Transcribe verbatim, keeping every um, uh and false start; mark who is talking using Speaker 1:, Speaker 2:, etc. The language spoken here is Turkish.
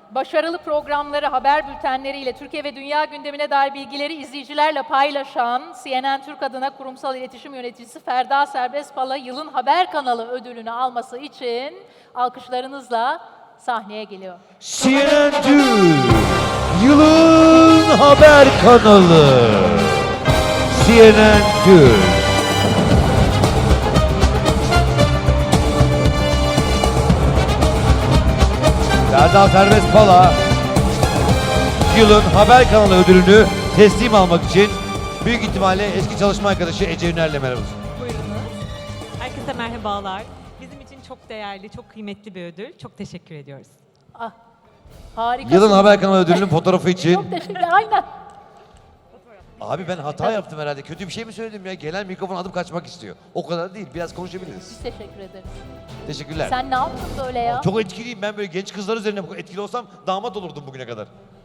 Speaker 1: başarılı programları, haber bültenleriyle Türkiye ve dünya gündemine dair bilgileri izleyicilerle paylaşan C N N Türk adına kurumsal iletişim yöneticisi Ferda Serbestpala yılın haber kanalı ödülünü alması için alkışlarınızla sahneye geliyor.
Speaker 2: C N N Türk yılın haber kanalı. C N N Türk. Ferda Serbestpala yılın haber kanalı ödülünü teslim almak için büyük ihtimalle eski çalışma arkadaşı Ece Üner'le merhaba.
Speaker 3: Buyurunuz. Herkese merhabalar. Bizim için çok değerli, çok kıymetli bir ödül. Çok teşekkür ediyoruz.
Speaker 1: Ah, harikasın.
Speaker 2: Yılın haber kanalı ödülünün fotoğrafı için.
Speaker 1: Çok teşekkür aynen.
Speaker 2: Abi ben hata yaptım herhalde. Kötü bir şey mi söyledim ya? Gelen mikrofon alıp kaçmak istiyor. O kadar değil. Biraz konuşabiliriz.
Speaker 1: Biz teşekkür ederiz.
Speaker 2: Teşekkürler.
Speaker 1: Sen ne yaptın böyle ya?
Speaker 2: Çok etkiliyim. Ben böyle genç kızlar üzerine bu kadar etkili olsam damat olurdum bugüne kadar.